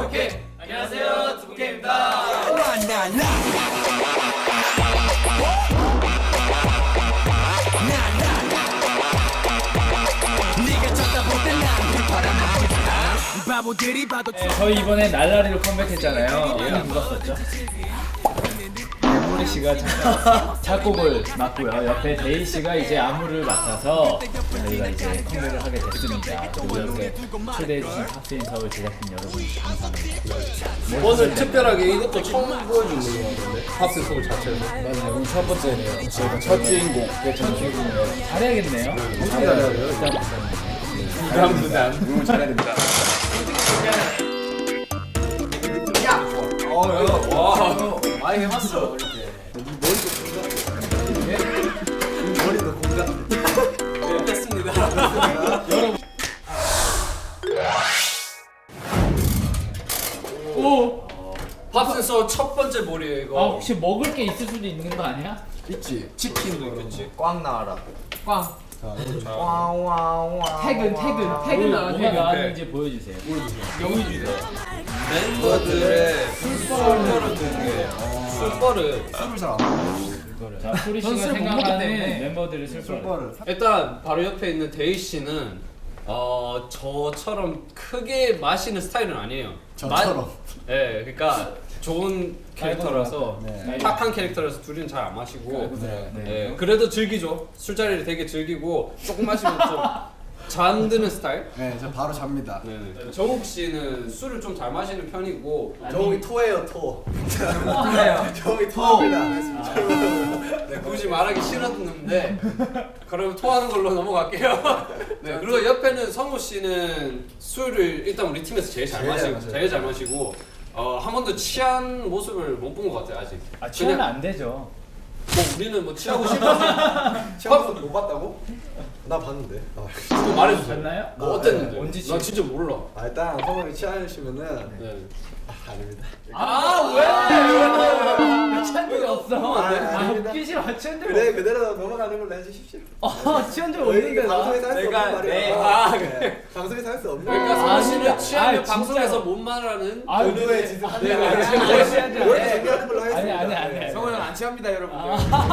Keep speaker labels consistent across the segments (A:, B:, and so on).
A: 오케이. 안녕하세요, 두부케입니다.
B: 저희 이번에 날라리로 컴백했잖아요. 누가 썼죠? 모리 씨가 작곡을 맡고요. 옆에 데이 씨가 이제 안무를 맡아서 저희가 이제 컴백을 하게 됐습니다. 그리고 이렇게 초대해 주신 팝스인 서울 제작진 여러분 감사합니다.
A: 오늘 특별하게 이것도 처음 보여주는 거 같은데. 팝스 소울 자체에서.
B: 맞아요. 오늘 첫 번째네요. 저희가 첫 주인공. 첫 주인공이에요. 잘해야겠네요.
A: 엄청 잘해야 돼요. 부담.
C: 너무 잘해야 됩니다.
A: 와, 많이 해봤어.
C: 머리도 공감.
A: 네, 됐습니다.
B: 오!
A: 팝스 소울 첫 번째 몰이에요 이거.
B: 아 혹시 먹을 게 있을 수도 있는 거 아니야?
C: 있지.
A: 치킨도 있겠지.
C: 꽝 나와라.
B: 꽝.
C: 와와와.
B: 퇴근 나왔는데 뭐가 나왔는지 보여주세요. 영희 주세요.
A: 멤버들의 술버를 듣는 술버를
C: 술을 잘 안 먹어.
B: 자, 소리 씨가 생각하는 멤버들의 슬퍼를.
A: 일단 바로 옆에 있는 데이 씨는 저처럼 크게 마시는 스타일은 아니에요.
C: 저처럼.
A: 네, 그러니까 좋은 캐릭터라서
C: 네.
A: 탁한 캐릭터라서 둘이는 잘 안 마시고
C: 네.
A: 네, 그래도 즐기죠. 술자리를 되게 즐기고 조금 마시면 좀 잠드는 스타일.
C: 네, 저 바로 잡니다.
A: 네. 정욱 씨는 술을 좀 잘 마시는 편이고
C: 저기 토해요, 토. 저기 토합니다.
A: 네, 굳이 말하기 싫었는데 그럼 토하는 걸로 넘어갈게요. 네, 그리고 옆에는 성우 씨는 술을 일단 우리 팀에서 제일 잘 마시고 한 번도 취한 모습을 못 본 것 같아요 아직.
B: 아, 취하면
A: 그냥
B: 안 되죠.
A: 뭐 우리는 뭐 취하고 싶어서
C: 처음부터 못 봤다고? 나 봤는데.
A: 좀 말해주세요.
B: 봤나요?
A: 뭐 어땠는데?
B: 언제
A: 나 진짜 몰라.
C: 일단 성원이 취하시면은
A: 네.
C: 아닙니다.
B: 왜? 취한 적이 없어.
C: 아닙니다.
B: 웃기 싫어. 취한 적이
C: 그래 그대로 넘어가는 걸로 해주십시오.
B: 없어. 취한 적
C: 이게
B: 없는데
C: 방송에서 할 수
A: 내가-
C: 없는 말이야.
A: 아,
C: 네. 방송에서 할 수 없는.
A: 그러니까
C: 말이야.
A: 성우 씨는
B: 아닙니다.
A: 취하면
B: 아,
A: 방송에서
B: 진짜로.
A: 못 말하는
B: 아,
C: 의도의 짓을
B: 아니,
C: 하는
B: 아니,
C: 거야.
B: 아니, 취한 적
C: 원래
B: 아니야.
C: 준비하는 걸로 하겠습니다.
B: 아니.
C: 성원이
D: 안 취합니다 여러분들.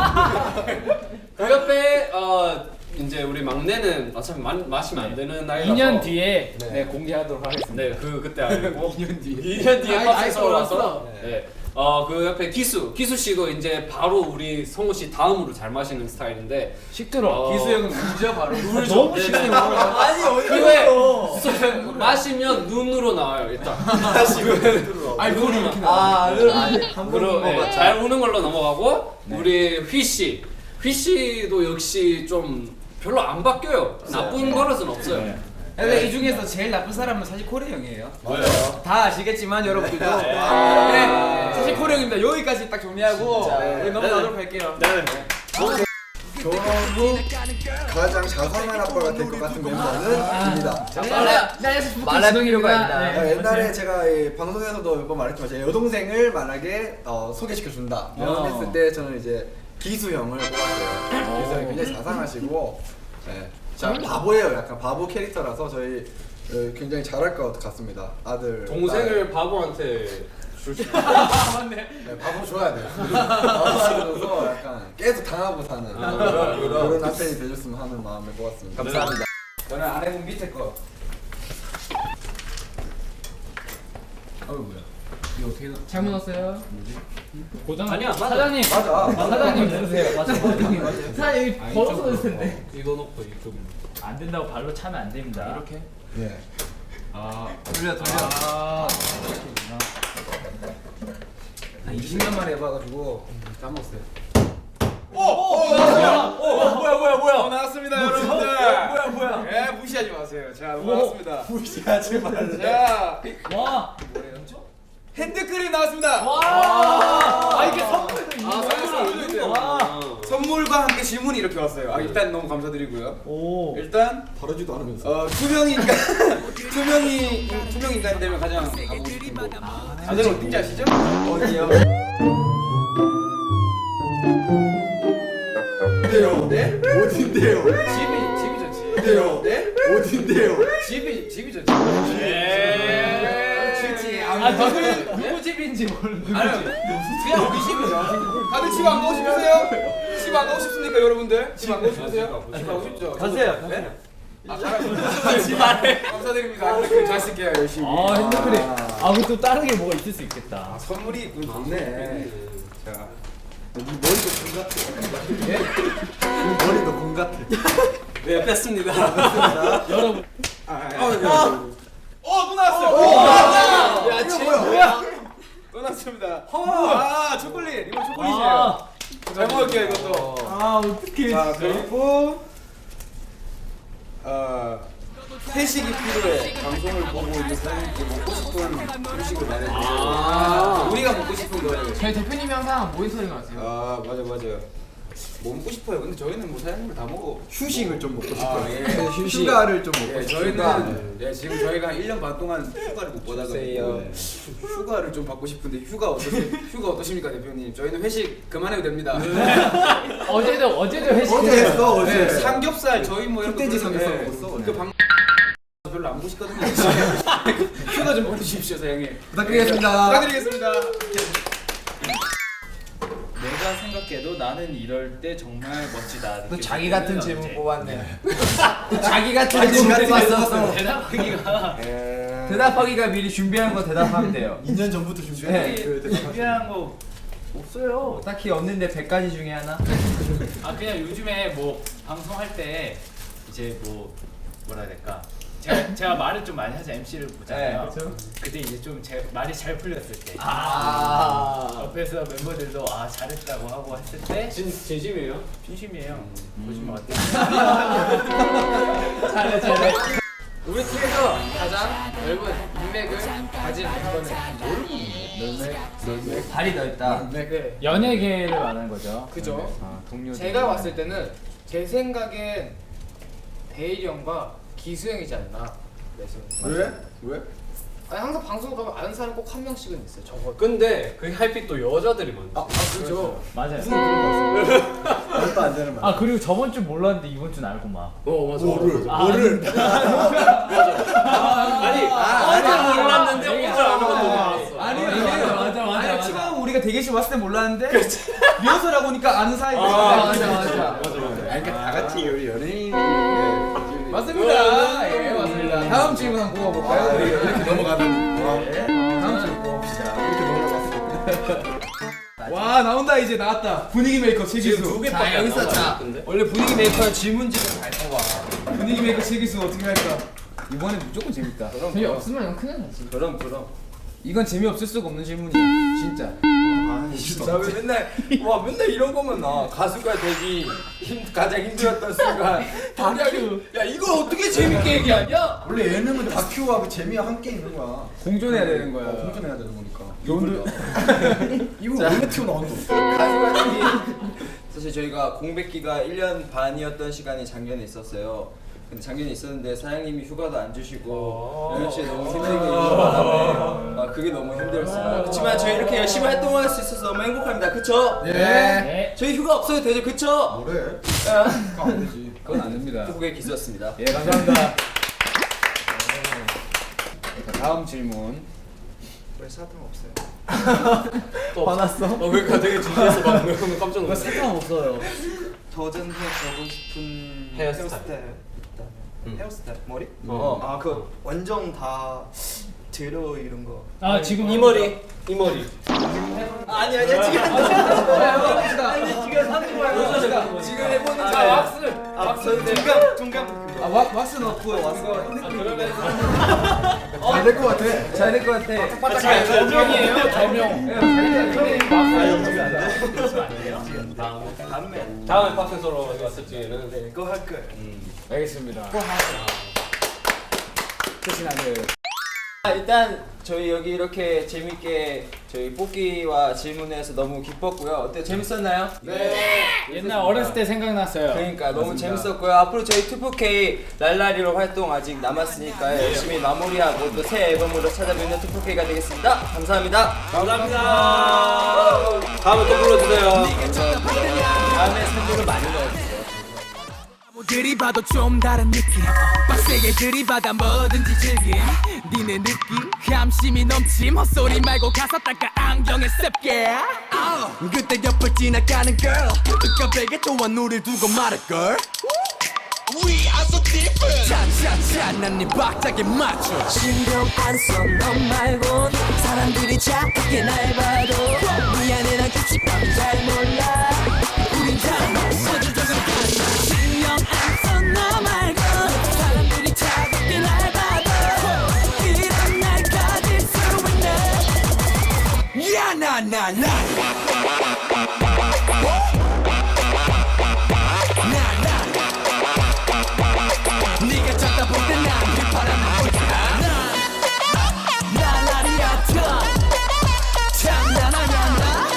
A: 그 옆에 이제 우리 막내는 어차피 마시면 안 되는 나이라서
B: 2년 뒤에
C: 네.
B: 공개하도록 하겠습니다.
A: 네, 그때 알고
D: 2년 뒤에.
A: 2년 뒤에
D: 아이,
A: 팝스에서
D: 아이,
A: 와서
D: 올랐어.
A: 네. 그 옆에 기수 씨도 이제 바로 우리 성우 씨 다음으로 잘 마시는 스타일인데
B: 시끄러.
D: 기수 형은 울죠 바로.
B: 너무
A: 네,
B: 시끄러.
A: 네.
C: 아니
A: 그게 마시면 눈으로 나와요 일단.
D: 아니 그걸 이렇게
A: 그리고 네, 잘 우는 걸로 넘어가고 우리 휘 씨도 역시 좀 별로 안 바뀌어요. 나쁜 버릇은 없어요.
B: 네.
D: 근데 이 중에서 제일 나쁜 사람은 사실 코레 형이에요.
A: 왜요?
D: 다 아시겠지만 여러분들도
A: 네.
D: 네, 사실 코레 형입니다. 여기까지 딱 정리하고
C: 진짜.
D: 우리 넘어가도록 할게요.
C: 저로 가장 자상한 아빠가 될 것 같은 멤버는 입니다.
D: 말라동이로가 있다.
C: 옛날에 제가 이 방송에서도 몇 번 말했지만 제 여동생을 만약에 소개시켜 준다 이런 했을 때 저는 이제 기수 형을 뽑았어요. 기수 형이 굉장히 자상하시고 자 바보예요. 약간 바보 캐릭터라서 저희 굉장히 잘할 것 같습니다. 아들
A: 동생을 바보한테 줄 수.
C: 네, 바보 줘야 돼요. 바보 줘서 약간 계속 당하고 사는 그런 남편이 되셨으면 하는 마음을 모았습니다.
D: 감사합니다. 저는 아내분 밑에 거.
B: 뭐야? 이거 어떻게 잘못 넣었어요? 고장
A: 아니야, 맞아.
B: 사장님
C: 맞아.
B: 사장님 누르세요. 사장님 여기 벌어서 넣을 텐데
A: 이거 놓고 이쪽.
B: 안 된다고 발로 차면 안 됩니다. 이렇게.
C: 예.
D: 돌려.
B: 아
D: 20년 만에 해봐가지고.
A: 까먹었어요.
D: 뭐야 나왔습니다 여러분들. 뭐야. 예 무시하지 마세요. 자 나왔습니다.
C: 무시하지 말래.
D: 자
B: 와.
D: 핸드크림 나왔습니다.
B: 와. 이게 선물도 있는 거야?
D: 선물도 있어요.
B: 와.
D: 선물과 함께 질문이 이렇게 왔어요. 일단 너무 감사드리고요.
B: 오.
D: 일단
C: 다르지도 않으면서.
D: 투명 인간 되면 가장 가보고 싶은 곳. 다들 어딘지 아시죠?
C: 어디요? 어딘데요?
D: 네?
C: 어딘데요?
D: 집이죠 집.
C: 어딘데요?
D: 네?
C: 어딘데요?
D: 집이죠 집. 그렇지.
B: 누구 집인지 모르는
D: 아니 그냥 우리 집이죠. 다들 집 안 가고 싶으세요? 집 안 가고 싶습니까 여러분들? 집 안 가고 싶으세요? 집 가고 싶죠?
B: 가세요.
D: 네? 아 잘하셨어요. 집 안에. 감사드립니다. 핸드크림 잘 쓸게요 열심히.
B: 아 핸드크림. 아 그리고 또 다른 게 뭐가 있을 수 있겠다.
D: 아, 선물이 좋네. 자.
C: 머리도 공 같아. 예? 머리도 공 같아.
A: 네 뺐습니다.
B: 여러분.
D: 또 나왔어요.
C: 야, 이거 뭐야?
D: 또 나왔습니다. 아 초콜릿. 이거 초콜릿이에요. 잘 먹을게요 이것도.
B: 아 어떡해.
D: 자 그리고 회식이 필요해. 방송을 보고 있는 사람들께 먹고 싶은 음식을 말해주세요. 우리가 먹고 싶은 거예요.
E: 저희 대표님이 항상 모니터링 하세요.
D: 아 맞아요. 뭐 먹고 싶어요. 근데 저희는 뭐 사장님을 다 먹어.
C: 휴식을 좀 먹고 싶어요.
D: 예.
C: 휴가를 좀 먹고
D: 예,
C: 싶어요.
D: 저희는 지금 저희가 1년 반 동안 휴가를 못 받아가지고 휴가를 좀 받고 싶은데 휴가 어떠십니까 대표님? 저희는 회식 그만해도 됩니다.
B: 어제도 회식.
C: 어제 했어 어제.
D: 네, 삼겹살 저희 뭐 이런 거
C: 흑돼지
D: 그런-
C: 삼겹살
D: 예,
C: 먹었어,
D: 그 방 별로 안 보시거든요. 휴가 좀 보내주십시오 사장님.
C: 부탁드리겠습니다.
D: 부탁드리겠습니다.
B: 내가 생각해도 나는 이럴 때 정말 멋지다.
E: 또 자기 같은 질문 뽑았네.
B: 자기 같은
C: 자기
B: 질문
C: 같은
B: 뽑았어.
C: 질문.
B: 대답하기가.
E: 대답하기가 미리 준비한 거 대답하면 돼요.
C: 2년 전부터 준비한
E: 네.
B: 준비한 거 없어요.
E: 딱히 없는데 100가지 중에 하나?
B: 아 그냥 요즘에 뭐 방송할 때 이제 뭐 뭐라 해야 될까? 제가 말을 좀 많이 하자 MC를 보잖아요.
E: 네,
B: 그때 이제 좀 제 말이 잘 풀렸을 때.
E: 아.
B: 옆에서 멤버들도 아 잘했다고 하고 했을 때
A: 진심이에요?
B: 진심이에요. 보시면 어때요? 잘해.
E: 우리 팀에서 가장 넓은 인맥을 가진 멤버는
B: 발이 넓다.
E: 네.
B: 연예계를 말하는 거죠.
E: 그죠.
B: 아, 동료.
E: 제가 봤을 때는 제 생각엔 대일이 형과 기수 형이지 않나. 그래서
C: 왜?
E: 아니 항상 방송 가면 아는 사람 꼭 한 명씩은 있어요. 적어도.
A: 근데 그 하이픽 또 여자들이 많아.
E: 그죠.
B: 맞아요.
C: 말도 안 되는 말.
B: 아 그리고 저번 주 몰랐는데 이번 주는 알고 막.
A: 맞아.
C: 뭐를?
A: 아니 어제 몰랐는데 오늘 아는 건 너무 많았어.
E: 아니요.
B: 맞아.
E: 지금 우리가 대기실 왔을 때 몰랐는데 리허설 하고 오니까 아는 사이.
A: 맞아.
C: 그러니까 다 같이 우리 연예인
E: 맞습니다. 예, 맞습니다. 다음 질문 한번 뽑아볼까요? 우리
C: 이렇게 넘어가는.
E: 다음 질문 뽑읍시다.
C: 이렇게 넘어갔어.
E: 와 나온다 이제 나왔다. 분위기 메이커 최기수.
A: 두 개밖에
E: 자,
A: 안
E: 여기서
A: 나온 것
E: 자
A: 같은데?
E: 원래 분위기 메이커는 질문지를 잘 뽑아. 분위기 메이커 최기수 어떻게 할까? 이번엔 무조건 재밌다.
F: 재미없으면 이건 큰일 나지.
D: 그럼.
E: 이건 재미없을 수가 없는 질문이야. 진짜.
D: 나왜 맨날 이런 거면 나 가수가 되기 가장 힘들었던 순간 야 이걸 어떻게 재밌게 얘기하냐?
C: 원래 예능은 다큐와 그 재미와 함께 있는 거야.
E: 공존해야 되는 거야.
C: 공존해야 되는 거니까.
E: 오늘
C: 이분 원래 튀어나온 거.
G: 가수가 되기 사실 저희가 공백기가 1년 반이었던 시간이 작년에 있었어요. 근데 작년에 있었는데 사장님이 휴가도 안 주시고 연현 씨 너무 힘들게 일하는 바람에 그게 너무 힘들었습니다. 그렇지만 저희 이렇게 열심히 활동할 수 있어서 너무 행복합니다. 그쵸?
B: 네.
G: 저희 휴가 없어도 되죠? 그쵸?
C: 뭐래?
E: 안 되지. 그건 안 됩니다.
G: 후보의 기수였습니다.
E: 예 감사합니다. 자, 다음 질문.
G: 왜 사탕 없어요?
A: 화났어? 그러니까 되게 진지해서 방금 깜짝 놀랐어.
B: 사탕 없어요.
G: 도전해보고 싶은
A: 헤어스타일.
G: 있다면 헤어스타일? 머리?
A: 어.
G: 그 완전 다 제로 이런 거
B: 아 지금
A: 이 머리.
G: 아니야 지금
E: 지금 해보는
G: 자 왁스 중간
E: 아 왁스 넣고요. 왁스.
C: 잘될 것 같아.
E: 잘 될 것 같아.
B: 저명이에요. 저명.
A: 다음에 박스서로 왔을 적에는
G: 그거 할 거예요.
E: 알겠습니다. 끝이 나네요.
G: 일단 저희 여기 이렇게 재밌게 저희 뽑기와 질문해서 너무 기뻤고요. 어때 재밌었나요?
B: 옛날 어렸을 때 생각났어요.
G: 그러니까 너무 재밌었고요. 앞으로 저희 2PK 랄라리로 활동 아직 남았으니까 열심히 마무리하고 또 새 앨범으로 찾아뵙는 2PK가 되겠습니다. 감사합니다.
A: 감사합니다. 다음에 또 불러주세요.
G: 다음에 선물을 많이 넣어주세요.
F: 들이봐도 좀 다른 느낌 빡세게 들이받아 뭐든지 즐김 니네 느낌 감심이 넘침 헛소리 말고 가서 닦아 안경에 습게 그때 옆을 지나가는 girl 뜨겁게 또한 우릴 두고 말할걸 We are so different 차차차 난 네 박자에 맞춰 신경 안 써 너 말곤 사람들이 착하게 날 봐도 미안해 난 규칙감을 잘 몰라 우린 다 신경 안 써 너 말곤 사람들이 차갑게 날 봐도 이런 날 가질 수 있네 야 나 네가 쳐다볼 때난 휘파람을 보자 나라리아터 장난하냐 나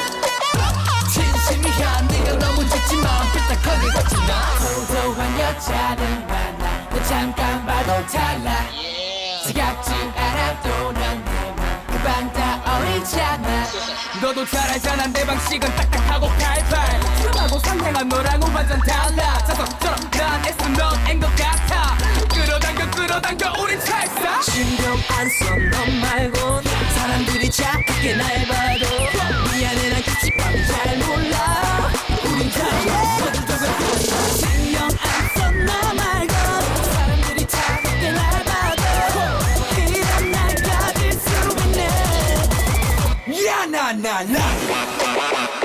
F: 진심이야 네가 너무 좋지만 삐딱하게 걷지나 소소한 여자를 만나 너 잠깐 봐도 달라 지겹지 않아도 난내맘 금방 다 어리잖아 너도 잘 알잖아 내 방식은 딱딱하고 팔팔 하고 상냥한 너랑은 완전 달라 자석처럼 난 애써 넌 앵것 같아 끌어당겨 우린 찰싹 신경 안 써 너 말곤 사람들이 착하게 날 봐도 미안해 난 규칙감을 잘 몰라 우린 달라 신경 안 써 너 말곤 사람들이 착하게 날 봐도 이런 날 가질 수 있네 야 나